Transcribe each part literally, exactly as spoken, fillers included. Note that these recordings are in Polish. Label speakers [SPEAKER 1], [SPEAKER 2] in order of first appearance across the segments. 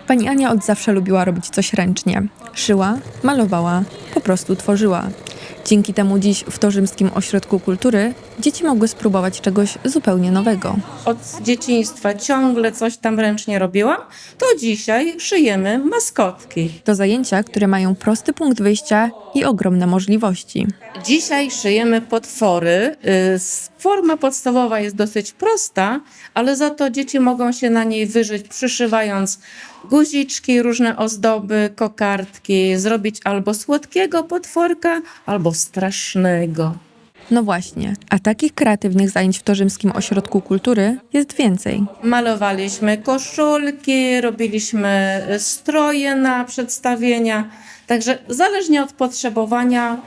[SPEAKER 1] Pani Ania od zawsze lubiła robić coś ręcznie. Szyła, malowała, po prostu tworzyła. Dzięki temu dziś w Torzymskim Ośrodku Kultury dzieci mogły spróbować czegoś zupełnie nowego.
[SPEAKER 2] Od dzieciństwa ciągle coś tam ręcznie robiłam, to dzisiaj szyjemy maskotki.
[SPEAKER 1] To zajęcia, które mają prosty punkt wyjścia i ogromne możliwości.
[SPEAKER 2] Dzisiaj szyjemy potwory. Y, Forma podstawowa jest dosyć prosta, ale za to dzieci mogą się na niej wyżyć, przyszywając guziczki, różne ozdoby, kokardki, zrobić albo słodkiego potworka, albo strasznego.
[SPEAKER 1] No właśnie, a takich kreatywnych zajęć w Torzymskim Ośrodku Kultury jest więcej.
[SPEAKER 2] Malowaliśmy koszulki, robiliśmy stroje na przedstawienia. Także zależnie od potrzebowania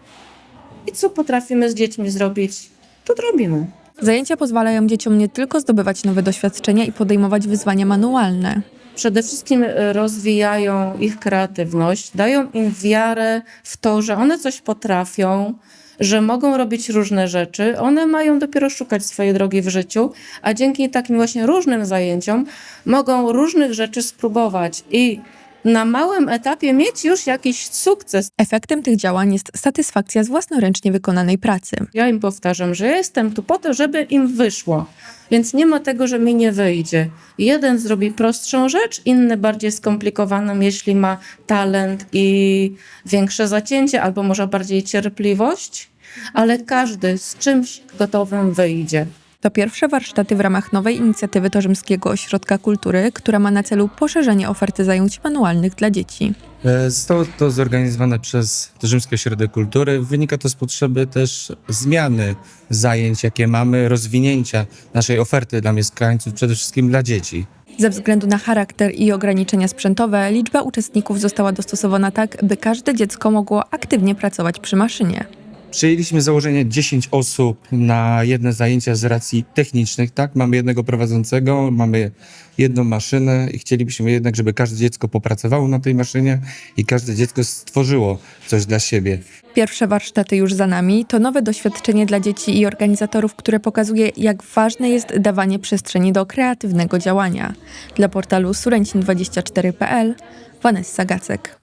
[SPEAKER 2] i co potrafimy z dziećmi zrobić, to robimy.
[SPEAKER 1] Zajęcia pozwalają dzieciom nie tylko zdobywać nowe doświadczenia i podejmować wyzwania manualne.
[SPEAKER 2] Przede wszystkim rozwijają ich kreatywność, dają im wiarę w to, że one coś potrafią, że mogą robić różne rzeczy. One mają dopiero szukać swojej drogi w życiu, a dzięki takim właśnie różnym zajęciom mogą różnych rzeczy spróbować i na małym etapie mieć już jakiś sukces.
[SPEAKER 1] Efektem tych działań jest satysfakcja z własnoręcznie wykonanej pracy.
[SPEAKER 2] Ja im powtarzam, że ja jestem tu po to, żeby im wyszło. Więc nie ma tego, że mi nie wyjdzie. Jeden zrobi prostszą rzecz, inny bardziej skomplikowaną, jeśli ma talent i większe zacięcie, albo może bardziej cierpliwość, ale każdy z czymś gotowym wyjdzie.
[SPEAKER 1] To pierwsze warsztaty w ramach nowej inicjatywy Torzymskiego Ośrodka Kultury, która ma na celu poszerzenie oferty zajęć manualnych dla dzieci.
[SPEAKER 3] Zostało to zorganizowane przez Torzymski Ośrodek Kultury. Wynika to z potrzeby też zmiany zajęć, jakie mamy, rozwinięcia naszej oferty dla mieszkańców, przede wszystkim dla dzieci.
[SPEAKER 1] Ze względu na charakter i ograniczenia sprzętowe, liczba uczestników została dostosowana tak, by każde dziecko mogło aktywnie pracować przy maszynie.
[SPEAKER 3] Przyjęliśmy założenie dziesięć osób na jedne zajęcia z racji technicznych, tak? Mamy jednego prowadzącego, mamy jedną maszynę i chcielibyśmy jednak, żeby każde dziecko popracowało na tej maszynie i każde dziecko stworzyło coś dla siebie.
[SPEAKER 1] Pierwsze warsztaty już za nami. To nowe doświadczenie dla dzieci i organizatorów, które pokazuje, jak ważne jest dawanie przestrzeni do kreatywnego działania. Dla portalu Surencin dwadzieścia cztery kropka p l Vanessa Gacek.